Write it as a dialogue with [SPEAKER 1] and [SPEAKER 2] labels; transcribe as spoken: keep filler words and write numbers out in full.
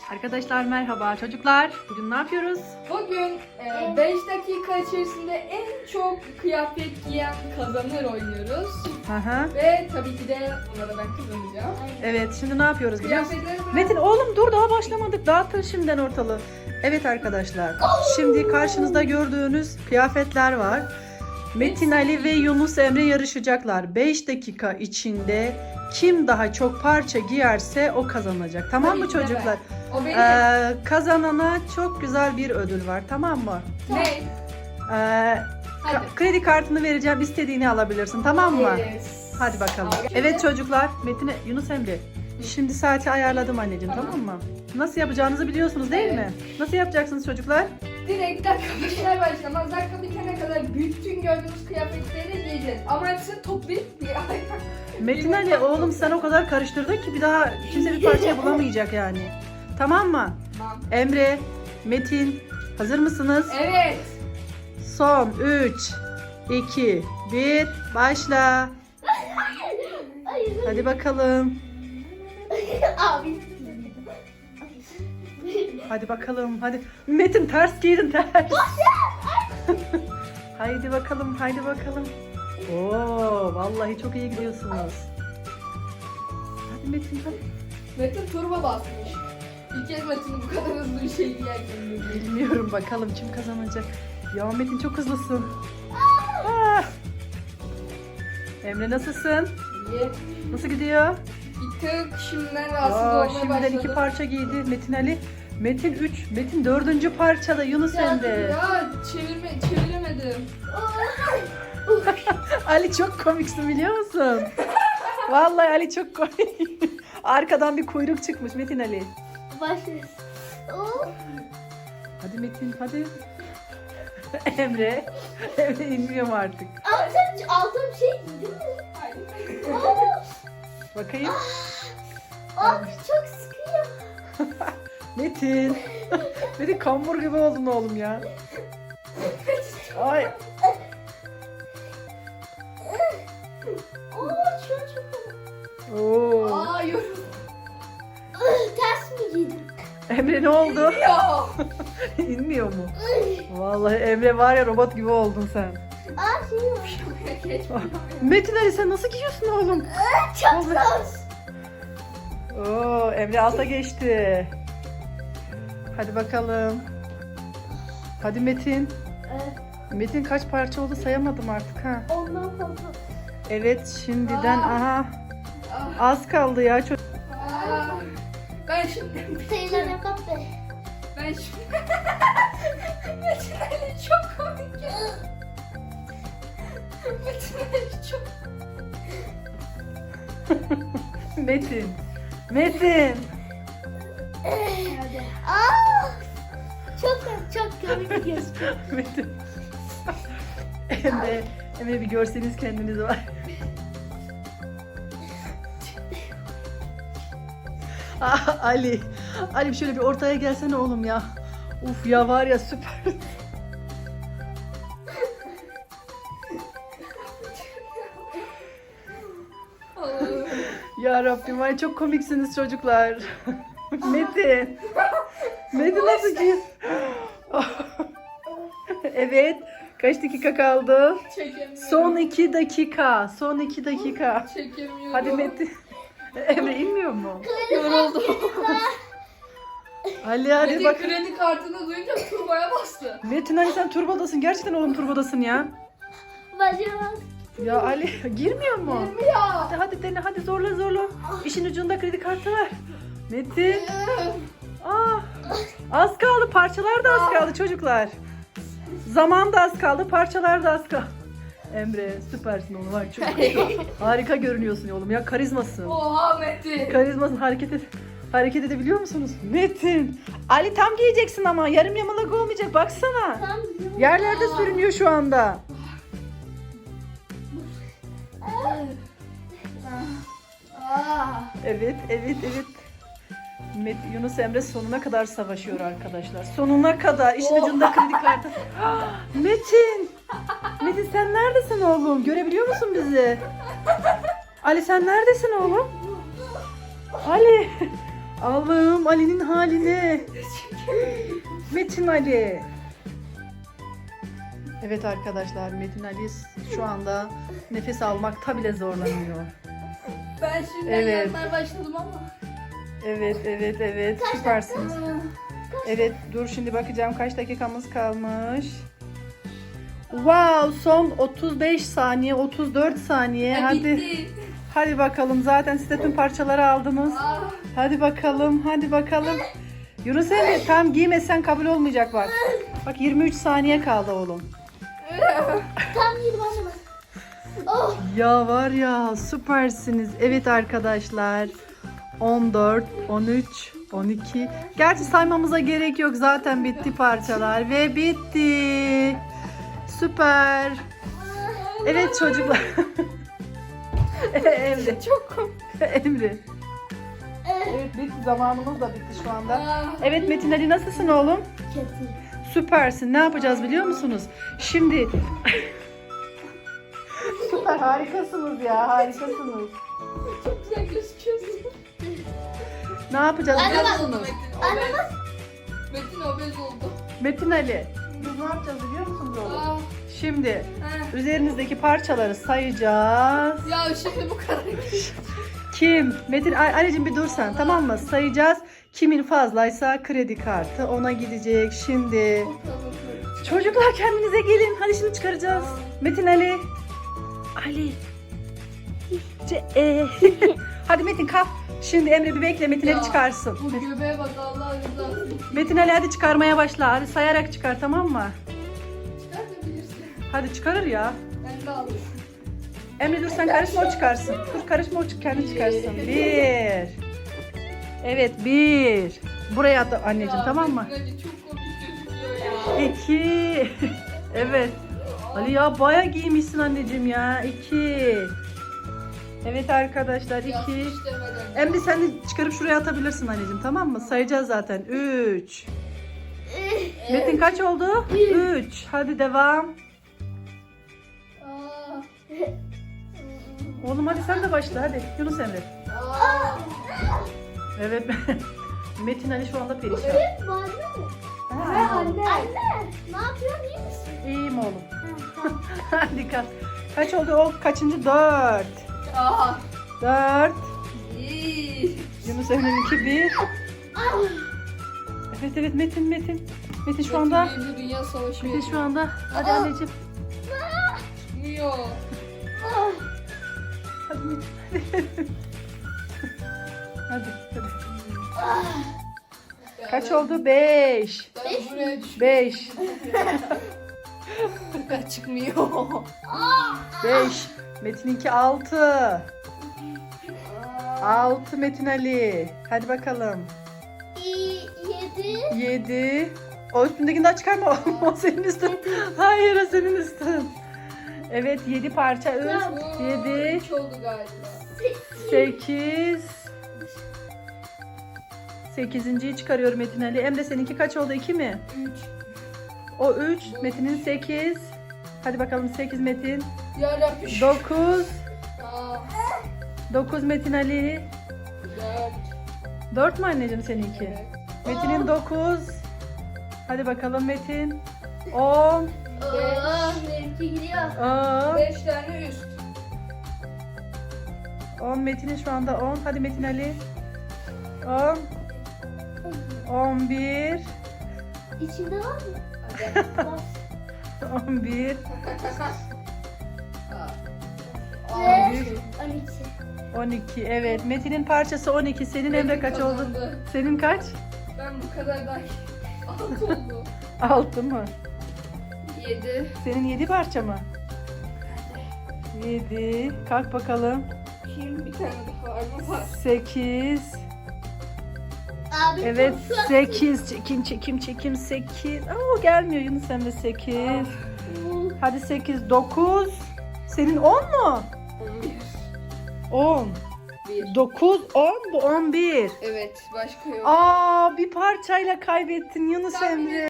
[SPEAKER 1] Arkadaşlar merhaba çocuklar. Bugün ne yapıyoruz?
[SPEAKER 2] Bugün beş dakika içerisinde en çok kıyafet giyen kazanır oynuyoruz.
[SPEAKER 1] Aha.
[SPEAKER 2] Ve tabii ki de buna da ben kazanacağım.
[SPEAKER 1] Evet, şimdi ne yapıyoruz biliyor musun?
[SPEAKER 2] Kıyafetleri ben...
[SPEAKER 1] Metin oğlum dur, daha başlamadık. Dağıtın şimdiden ortalığı. Evet arkadaşlar. Şimdi karşınızda gördüğünüz kıyafetler var. Metin Ali ve Yunus Emre yarışacaklar. beş dakika içinde kim daha çok parça giyerse o kazanacak. Tamam
[SPEAKER 2] Tabii
[SPEAKER 1] mı
[SPEAKER 2] ki de ben.
[SPEAKER 1] çocuklar?
[SPEAKER 2] O benim.
[SPEAKER 1] Ee, kazanana çok güzel bir ödül var. Tamam mı?
[SPEAKER 2] Ne?
[SPEAKER 1] Ee,
[SPEAKER 2] Hadi.
[SPEAKER 1] ka- kredi kartını vereceğim. İstediğini alabilirsin. Tamam mı?
[SPEAKER 2] Yes.
[SPEAKER 1] Hadi bakalım.
[SPEAKER 2] Abi.
[SPEAKER 1] Evet çocuklar, Metin'e, Yunus Emre. Şimdi saati ayarladım anneciğim, tamam,
[SPEAKER 2] Tamam.
[SPEAKER 1] mı? Nasıl yapacağınızı biliyorsunuz değil
[SPEAKER 2] Evet.
[SPEAKER 1] mi? Nasıl yapacaksınız çocuklar?
[SPEAKER 2] Direkt dakika başlar başlamaz dakika bitene kadar bütün gördüğünüz kıyafetleri giyeceğiz. Ama hepsini toplayıp bir
[SPEAKER 1] Metin Ali oğlum sen o kadar karıştırdın ki bir daha kimse bir parçayı bulamayacak yani. Tamam mı?
[SPEAKER 2] Tamam.
[SPEAKER 1] Emre, Metin, hazır mısınız?
[SPEAKER 2] Evet.
[SPEAKER 1] Son üç, iki, bir, başla. Hadi bakalım.
[SPEAKER 3] Abi.
[SPEAKER 1] Hadi bakalım. Hadi. Metin ters giydin ters. Haydi bakalım. Haydi bakalım. Oo, vallahi çok iyi gidiyorsunuz. Hadi Metin hadi.
[SPEAKER 2] Metin turbo basmış. İlk kez Metin'in bu kadar hızlı bir şey giyerken görüyorum.
[SPEAKER 1] Bilmiyorum bakalım kim kazanacak. Ya Metin çok hızlısın. Ah. Emre nasılsın?
[SPEAKER 2] İyi.
[SPEAKER 1] Nasıl gidiyor?
[SPEAKER 2] Bir tık şimdiden rahatsız
[SPEAKER 1] Aa,
[SPEAKER 2] olmaya
[SPEAKER 1] şimdiden
[SPEAKER 2] başladım.
[SPEAKER 1] iki parça giydi Metin Ali. Metin üç, Metin dördüncü parçada Yunus Emre.
[SPEAKER 2] Ya çevirme, çeviremedim.
[SPEAKER 1] Ali çok komiksin biliyor musun? Vallahi Ali çok komik. Arkadan bir kuyruk çıkmış Metin Ali.
[SPEAKER 3] Başlıyoruz. Oo.
[SPEAKER 1] Hadi Metin hadi. Emre. Emre inmiyorum artık.
[SPEAKER 3] Altın, altın bir şey giydin mi?
[SPEAKER 2] Hayır.
[SPEAKER 1] Bakayım.
[SPEAKER 3] Abi çok sıkıyor.
[SPEAKER 1] Metin. Metin kambur gibi oldun oğlum ya. Ay.
[SPEAKER 3] Oo çok çok.
[SPEAKER 1] Oo.
[SPEAKER 2] Aa yorum.
[SPEAKER 3] Ters mi giydin?
[SPEAKER 1] Emre ne oldu?
[SPEAKER 2] Ya.
[SPEAKER 1] İnmiyor mu? Vallahi Emre var ya, robot gibi oldun sen.
[SPEAKER 3] Aa şey var.
[SPEAKER 1] Metin Ali sen nasıl giyiyorsun oğlum?
[SPEAKER 3] Çok zor.
[SPEAKER 1] Oo, Emre alta geçti. Hadi bakalım. Hadi Metin.
[SPEAKER 3] Evet,
[SPEAKER 1] Metin kaç parça oldu sayamadım artık ha.
[SPEAKER 3] ondan fazla.
[SPEAKER 1] Evet şimdiden
[SPEAKER 2] Aa.
[SPEAKER 1] aha
[SPEAKER 2] Ah,
[SPEAKER 1] az kaldı ya. Çok...
[SPEAKER 2] ah. Ben şimdi...
[SPEAKER 3] Sayılar yapmak be.
[SPEAKER 2] Ben şimdi... Metin Ali çok komik ya. Metin Ali çok...
[SPEAKER 1] Metin. Metin.
[SPEAKER 3] Hadi. Aa! Çok çok komik gözüküyor.
[SPEAKER 1] Metin. Emre, Emre bir görseniz kendiniz var. Ah, Ali. Ali şöyle bir ortaya gelsene oğlum ya. Uf ya var ya süper.
[SPEAKER 2] Allah'ım.
[SPEAKER 1] Ya Rabbim ay çok komiksiniz çocuklar. Metin. Metin nasıl ki? Evet. Kaç dakika kaldı?
[SPEAKER 2] Çekemiyorum.
[SPEAKER 1] Son iki dakika. Son iki dakika.
[SPEAKER 2] Çekemiyorum.
[SPEAKER 1] Hadi Metin. Emre inmiyor mu?
[SPEAKER 2] Yoruldum.
[SPEAKER 1] Ali hadi
[SPEAKER 2] Metin
[SPEAKER 1] bak.
[SPEAKER 2] kredi kartını duyunca turboya bastı.
[SPEAKER 1] Metin Ali sen turbodasın. Gerçekten oğlum turbodasın ya.
[SPEAKER 3] Başlamaz.
[SPEAKER 1] Ya Ali girmiyor mu?
[SPEAKER 2] Girmiyor.
[SPEAKER 1] Hadi hadi dene hadi zorla zorla. İşin ucunda kredi kartı var. Metin. Ah, az kaldı. Parçalar da az kaldı çocuklar. Zaman da az kaldı. Parçalar da az kaldı. Emre süpersin oğlum. Var çok harika görünüyorsun oğlum ya, karizmasın.
[SPEAKER 2] Oha Metin.
[SPEAKER 1] Karizmasın, hareket et. Hareket edebiliyor musunuz? Metin. Ali tam giyeceksin ama yarım yamalak olmayacak. Baksana.
[SPEAKER 3] Tam
[SPEAKER 1] Yerlerde sürünüyor şu anda.
[SPEAKER 2] Aa.
[SPEAKER 1] Evet, evet, evet. Met Yunus Emre sonuna kadar savaşıyor arkadaşlar. Sonuna kadar. İşin ucunda kredi kartı. Ah, Metin. Metin sen neredesin oğlum? Görebiliyor musun bizi? Ali sen neredesin oğlum? Ali. Allah'ım Ali'nin haline. Metin Ali. Evet arkadaşlar, Metin Ali şu anda nefes almakta bile zorlanıyor.
[SPEAKER 2] Ben şimdi
[SPEAKER 1] Evet.
[SPEAKER 2] yanmaya başladım ama.
[SPEAKER 1] Evet, evet, evet. Süpersiniz. Evet, dur şimdi bakacağım kaç dakikamız kalmış. Wow, son otuz beş saniye, otuz dört saniye.
[SPEAKER 2] Ya
[SPEAKER 1] Hadi.
[SPEAKER 2] bitti.
[SPEAKER 1] Hadi bakalım. Zaten siz de tüm parçaları aldınız.
[SPEAKER 2] Aa,
[SPEAKER 1] Hadi bakalım, hadi bakalım. Yunus Emre tam giymesen kabul olmayacak bak. Bak yirmi üç saniye kaldı oğlum.
[SPEAKER 3] Tam yirmi bana bak. Oh.
[SPEAKER 1] Ya var ya süpersiniz. Evet arkadaşlar. on dört, on üç, on iki. Gerçi saymamıza gerek yok. Zaten bitti parçalar ve bitti. Süper. Evet çocuklar. Emre.
[SPEAKER 2] çok komik.
[SPEAKER 1] Emre. Evet bitti. Zamanımız da bitti şu anda.
[SPEAKER 2] Aa,
[SPEAKER 1] Evet Metin Ali nasılsın oğlum?
[SPEAKER 3] Kötü.
[SPEAKER 1] Süpersin. Ne yapacağız biliyor musunuz? Şimdi süper harikasınız ya. Harikasınız.
[SPEAKER 2] çok güzel gözüküyorsun.
[SPEAKER 1] Ne yapacağız
[SPEAKER 3] Anne
[SPEAKER 1] biliyor
[SPEAKER 3] bak.
[SPEAKER 1] musunuz?
[SPEAKER 2] Metin obez. Metin obez oldu.
[SPEAKER 1] Metin Ali. Biz ne yapacağız biliyor musunuz oğlum?
[SPEAKER 2] Aa,
[SPEAKER 1] Şimdi
[SPEAKER 2] heh.
[SPEAKER 1] üzerinizdeki parçaları sayacağız.
[SPEAKER 2] Ya şimdi bu kadar.
[SPEAKER 1] Kim? Metin Ali- Ali'cim bir dur sen tamam mı? Sayacağız. Kimin fazlaysa kredi kartı ona gidecek. Şimdi çocuklar kendinize gelin. Hadi şimdi çıkaracağız. Metin Ali. Ali. Ce e. Hadi Metin kalk. Şimdi Emre bir bekle Metin
[SPEAKER 2] Ya,
[SPEAKER 1] Ali çıkarsın.
[SPEAKER 2] Bu göbeğe bak Allah rızası için.
[SPEAKER 1] Metin Ali hadi çıkarmaya başla. Hadi sayarak çıkar tamam mı?
[SPEAKER 2] Çıkartabilirsin.
[SPEAKER 1] Hadi çıkarır ya.
[SPEAKER 2] Ben de aldım.
[SPEAKER 1] Emre dur sen karışma o çıkarsın. Dur karışma o çık- kendi çıkarsın. Bir. Evet bir. Buraya at anneciğim
[SPEAKER 2] Ya,
[SPEAKER 1] tamam mı?
[SPEAKER 2] Metin Ali çok komik gözüküyor ya.
[SPEAKER 1] İki. Evet. Ali ya baya giymişsin anneciğim ya. İki. Evet arkadaşlar iki.
[SPEAKER 2] Yapmış demeden.
[SPEAKER 1] Emre sen de çıkarıp şuraya atabilirsin anneciğim tamam mı? Sayacağız zaten. Üç. Metin kaç oldu? Üç. Hadi devam.
[SPEAKER 2] Aa,
[SPEAKER 1] Oğlum hadi sen de başla hadi. Yunus Emre.
[SPEAKER 2] aa.
[SPEAKER 1] Evet. Metin Ali şu anda perişan.
[SPEAKER 3] Evet, var mı?
[SPEAKER 1] Ha,
[SPEAKER 3] Ha,
[SPEAKER 1] oğlum.
[SPEAKER 3] anne. Anne. Ne yapıyorsun? İyi misin?
[SPEAKER 1] İyiyim oğlum.
[SPEAKER 3] Ha, tamam.
[SPEAKER 1] Hadi kaç. Kaç oldu o? Kaçıncı? Dört.
[SPEAKER 2] Aa.
[SPEAKER 1] Dört.
[SPEAKER 2] İyi.
[SPEAKER 1] Yunus Emre'ninki bir. Evet evet Metin Metin. Metin şu anda.
[SPEAKER 2] Metin Dünya Savaşı
[SPEAKER 1] Metin şu anda. Hadi
[SPEAKER 2] Aa.
[SPEAKER 1] anneciğim.
[SPEAKER 2] Çıkmıyor.
[SPEAKER 3] Ah.
[SPEAKER 1] Hadi Metin. Hadi. Hadi.
[SPEAKER 2] Ya
[SPEAKER 1] Kaç
[SPEAKER 2] ben-
[SPEAKER 1] oldu? Beş.
[SPEAKER 2] Ben buraya düştüm.
[SPEAKER 1] Beş.
[SPEAKER 2] Ben çıkmıyor.
[SPEAKER 1] Beş. Metin'inki altı. Altı Metin Ali. Hadi bakalım.
[SPEAKER 3] İyi, yedi.
[SPEAKER 1] Yedi. O üstündekini daha çıkarma. O senin üstün. Hayır o senin üstün. Evet yedi parça üst.
[SPEAKER 2] Oo,
[SPEAKER 1] Yedi.
[SPEAKER 2] üç oldu galiba.
[SPEAKER 1] Sekiz. Sekizinciyi çıkarıyorum Metin Ali. Emre seninki kaç oldu? İki mi?
[SPEAKER 2] Üç.
[SPEAKER 1] O üç. Metin'in sekiz. Hadi bakalım sekiz Metin.
[SPEAKER 2] Yarabbim.
[SPEAKER 1] Dokuz.
[SPEAKER 2] Aa,
[SPEAKER 1] Dokuz Metin Ali.
[SPEAKER 2] dört.
[SPEAKER 1] Dört mü anneciğim seninki?
[SPEAKER 2] Evet.
[SPEAKER 1] Metin'in dokuz. Hadi bakalım Metin. On.
[SPEAKER 3] Oh, benimki gidiyor.
[SPEAKER 1] On.
[SPEAKER 2] Beş tane üst.
[SPEAKER 1] On Metin'in şu anda on. Hadi Metin Ali. On. On bir.
[SPEAKER 3] İçinde var mı?
[SPEAKER 2] Hadi.
[SPEAKER 3] Bas.
[SPEAKER 1] On bir.
[SPEAKER 2] Aa,
[SPEAKER 3] Ve
[SPEAKER 2] üç.
[SPEAKER 3] on iki.
[SPEAKER 1] On iki. Evet. Metin'in parçası on iki. Senin Emre
[SPEAKER 2] Metin
[SPEAKER 1] kaç oldu?
[SPEAKER 2] kazandı.
[SPEAKER 1] Senin kaç?
[SPEAKER 2] Ben bu kadar daha altı oldu.
[SPEAKER 1] Altı mı?
[SPEAKER 2] Yedi.
[SPEAKER 1] Senin yedi parça mı? Yedi. Kalk bakalım.
[SPEAKER 2] Şimdi bir tane daha var mı? Var.
[SPEAKER 1] Sekiz.
[SPEAKER 3] Abi,
[SPEAKER 1] Evet
[SPEAKER 3] çok tatlı.
[SPEAKER 1] sekiz. Çekim çekim çekim sekiz. Aa gelmiyor Yunus Emre sekiz. Hadi sekiz. Dokuz. Senin on mu?
[SPEAKER 2] On bir.
[SPEAKER 1] On.
[SPEAKER 2] Bir.
[SPEAKER 1] Dokuz, on. Bu on bir.
[SPEAKER 2] Evet başka yok.
[SPEAKER 1] Aa bir parçayla kaybettin Yunus
[SPEAKER 2] Tahmin
[SPEAKER 1] Emre.